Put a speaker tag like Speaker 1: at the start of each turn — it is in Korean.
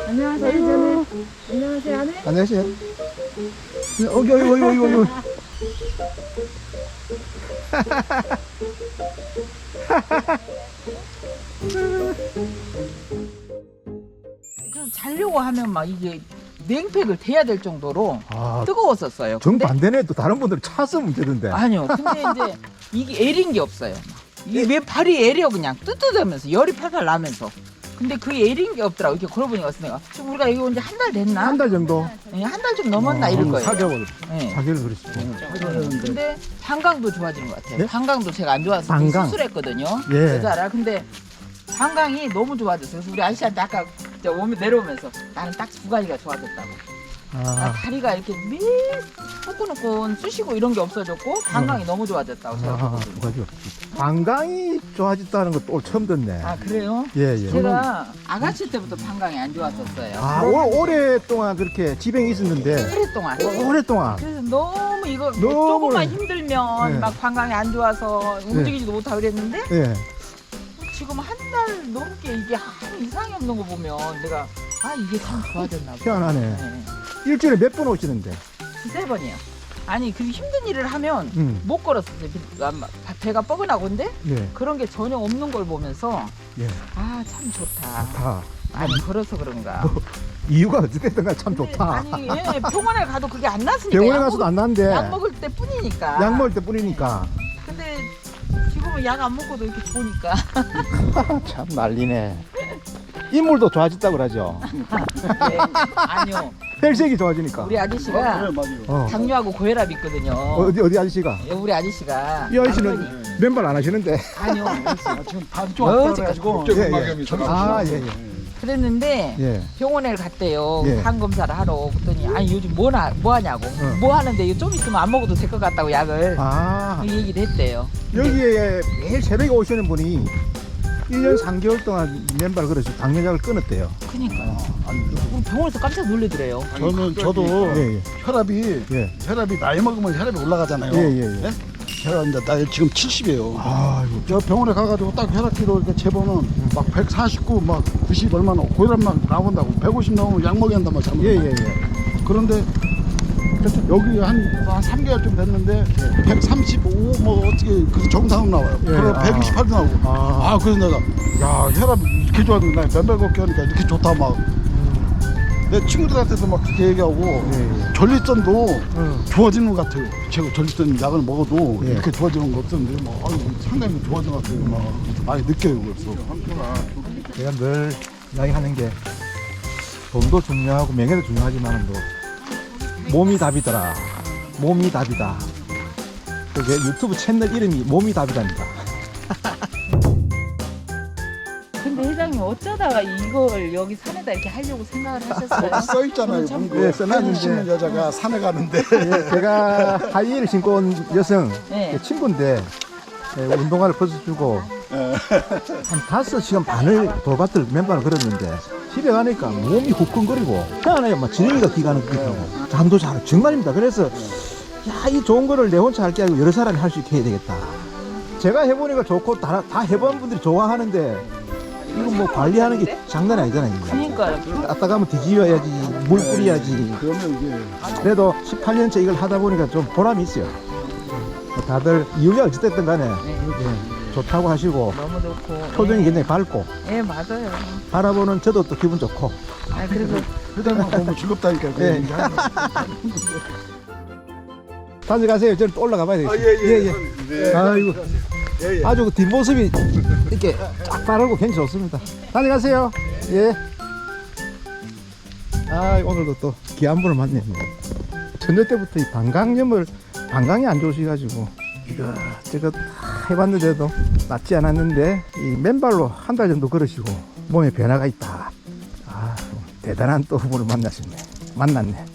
Speaker 1: 안녕하세요, 전에. 안녕하세요, 안에.
Speaker 2: 안녕하세요. 어이.
Speaker 3: 좀 자려고 하면 막 이게 냉팩을 대야 될 정도로
Speaker 2: 아,
Speaker 3: 뜨거웠었어요.
Speaker 2: 정반대네. 또 다른 분들은 차서 문제던데.
Speaker 3: 아니요. 근데 이제 이게 애린 게 없어요. 이게 왜 발이 애려 그냥 뜨뜻하면서 열이 팔팔 나면서. 근데 그게 애린 게 없더라고. 이렇게 걸어보니까 내가 지금 우리가 이거 이제 한 달 됐나?
Speaker 2: 한 달 정도.
Speaker 3: 네, 한 달 좀 넘었나 이럴 거예요.
Speaker 2: 4개월.
Speaker 3: 네.
Speaker 2: 4개월 그랬어.
Speaker 3: 근데 방광도 좋아지는 것 같아요.
Speaker 2: 네?
Speaker 3: 방광도 제가 안 좋아서
Speaker 2: 방광?
Speaker 3: 수술했거든요.
Speaker 2: 예.
Speaker 3: 여자라. 근데 방광이 너무 좋아졌어요. 그래서 우리 아저씨한테 아까 저 오면 내려오면서 나는 딱 두 가지가 좋아졌다고.
Speaker 2: 아,
Speaker 3: 다리가 이렇게 매일 후끈후끈 쑤시고 이런 게 없어졌고 방광이 너무 좋아졌다고 제가
Speaker 2: 두
Speaker 3: 보거든요.
Speaker 2: 가지. 방광이 좋아졌다는 것도 오늘 처음 듣네.
Speaker 3: 아 그래요?
Speaker 2: 예.
Speaker 3: 제가 아가씨 때부터 방광이 안 좋았었어요.
Speaker 2: 아, 오랫동안 그렇게 지병이 있었는데.
Speaker 3: 오랫동안.
Speaker 2: 오랫동안.
Speaker 3: 그래서 너무 이거
Speaker 2: 너무
Speaker 3: 조금만 힘들면
Speaker 2: 네.
Speaker 3: 막 방광이 안 좋아서 움직이지도 못하고 그랬는데
Speaker 2: 예.
Speaker 3: 지금 한 달 넘게 이게 아무 이상이 없는 거 보면 내가 이게 참 좋아졌나 봐.
Speaker 2: 희한하네.
Speaker 3: 네.
Speaker 2: 일주일에 몇 번 오시는데?
Speaker 3: 두세 번이요. 아니 그 힘든 일을 하면 못 걸었어요. 배가 뻐근하고 근데
Speaker 2: 예.
Speaker 3: 그런 게 전혀 없는 걸 보면서
Speaker 2: 예.
Speaker 3: 참 좋다.
Speaker 2: 다.
Speaker 3: 많이 걸어서 그런가.
Speaker 2: 이유가 어찌됐든 간에 참
Speaker 3: 근데
Speaker 2: 좋다.
Speaker 3: 아니 병원에 가도 그게 안 났으니까.
Speaker 2: 병원에 가서도 안 나는데.
Speaker 3: 약 먹을 때 뿐이니까.
Speaker 2: 약 먹을 때 뿐이니까.
Speaker 3: 근데 지금은 약 안 먹고도 이렇게 좋으니까.
Speaker 2: 참 난리네. 인물도 좋아졌다고 그러죠.
Speaker 3: 네, 아니요.
Speaker 2: 혈색이 좋아지니까.
Speaker 3: 우리 아저씨가
Speaker 2: 어.
Speaker 3: 당뇨하고 고혈압 있거든요.
Speaker 2: 어디 아저씨가?
Speaker 3: 우리 아저씨가
Speaker 2: 이 아저씨는
Speaker 3: 남편이-
Speaker 2: 맨발 안 하시는데.
Speaker 3: 아니요.
Speaker 4: 지금 다리 좀 아프다
Speaker 3: 어디까지
Speaker 4: 그래가지고
Speaker 2: 아, 예.
Speaker 3: 그랬는데
Speaker 2: 예.
Speaker 3: 병원에 갔대요.
Speaker 2: 예.
Speaker 3: 간 검사를 하러. 그랬더니 아니 요즘 뭐 하냐고. 뭐 하는데 이거 좀 있으면 안 먹어도 될 것 같다고 약을.
Speaker 2: 아,
Speaker 3: 이 얘기를 했대요.
Speaker 2: 여기에 매일 새벽에 오시는 분이 1년 3개월 동안 맨발 걸어서 당뇨약을 끊었대요.
Speaker 3: 그니까요. 우리 병원에서 깜짝 놀래더래요.
Speaker 4: 저도
Speaker 2: 예, 예.
Speaker 4: 혈압이 나이 먹으면 혈압이 올라가잖아요.
Speaker 2: 예.
Speaker 4: 제가 이제 나이 지금 70이에요.
Speaker 2: 아이고.
Speaker 4: 저 병원에 가가지고 딱 혈압기로 이렇게 재보면 막 149, 막 90 얼마나 고혈압 막 나온다고 150 나오면 약 먹여야 한단 말이야.
Speaker 2: 예.
Speaker 4: 그런데 여기 한 3개월쯤 됐는데 135 뭐 어떻게 그 정상으로 나와요.
Speaker 2: 예.
Speaker 4: 그리고 128도 나오고. 그래서 내가 야 혈압 이렇게 좋아졌나 맨발 걷기 하니까 이렇게 좋다 막. 내 친구들한테도 막 그렇게 얘기하고
Speaker 2: 예.
Speaker 4: 전립선도 좋아지는 것 같아요. 제가 전립선 약을 먹어도
Speaker 2: 예.
Speaker 4: 이렇게 좋아지는 거 없었는데 막 상당히 좋아진 것 같아요. 막 많이 느껴요. 그래서
Speaker 2: 제가 늘 이야기하는 게 돈도 중요하고 명예도 중요하지만 몸이 답이더라. 몸이 답이다. 그게 유튜브 채널 이름이 몸이 답이답니다.
Speaker 3: 근데 회장님 어쩌다가 이걸 여기 산에다 이렇게 하려고 생각을 하셨어요?
Speaker 4: 써 있잖아요.
Speaker 3: 참-
Speaker 4: 문구에
Speaker 2: 네, 써놨는데.
Speaker 4: 신는 여자가 산에 가는데
Speaker 2: 예, 제가 하이힐을 신고 온 여성
Speaker 3: 네.
Speaker 2: 친구인데 운동화를 벗어주고 한 5시간 반을 돌밭을 맨발을 걸었는데 집에 가니까 몸이 후끈거리고 희한해요. 막 지렁이가 기가는 것 같고 잠도 잘 정말입니다. 그래서 이 좋은 거를 내 혼자 할 게 아니고 여러 사람이 할 수 있게 해야 되겠다. 제가 해보니까 좋고 다 해본 분들이 좋아하는데 이거 뭐 관리하는 게 장난이 아니잖아요. 이거.
Speaker 3: 그러니까요.
Speaker 2: 갔다 가면 뒤집어야지, 물 뿌려야지.
Speaker 4: 그러면 이게
Speaker 2: 그래도 18년째 이걸 하다 보니까 좀 보람이 있어요. 다들 이유가 어찌됐든 간에 예, 좋다고 하시고
Speaker 3: 너무 좋고.
Speaker 2: 표정이 굉장히 밝고
Speaker 3: 예, 맞아요.
Speaker 2: 바라보는 저도 또 기분 좋고.
Speaker 3: 그래서
Speaker 4: 회장만 보면 즐겁다니까. 그
Speaker 2: 예.
Speaker 4: 얘기 하는 거.
Speaker 2: 다들 가세요. 저는 또 올라가 봐야 되겠어요.
Speaker 4: 예.
Speaker 2: 아이고. 아주 그 뒷모습이 이렇게 쫙 바르고 굉장히 좋습니다. 다들 가세요. 예. 오늘도 또 귀한 분을 만났네요. 처녀 때부터 이 방광이 안 좋으셔가지고 제가 다 해봤는데도 낫지 않았는데 이 맨발로 한 달 정도 걸으시고 몸에 변화가 있다. 대단한 또 분을 만났네.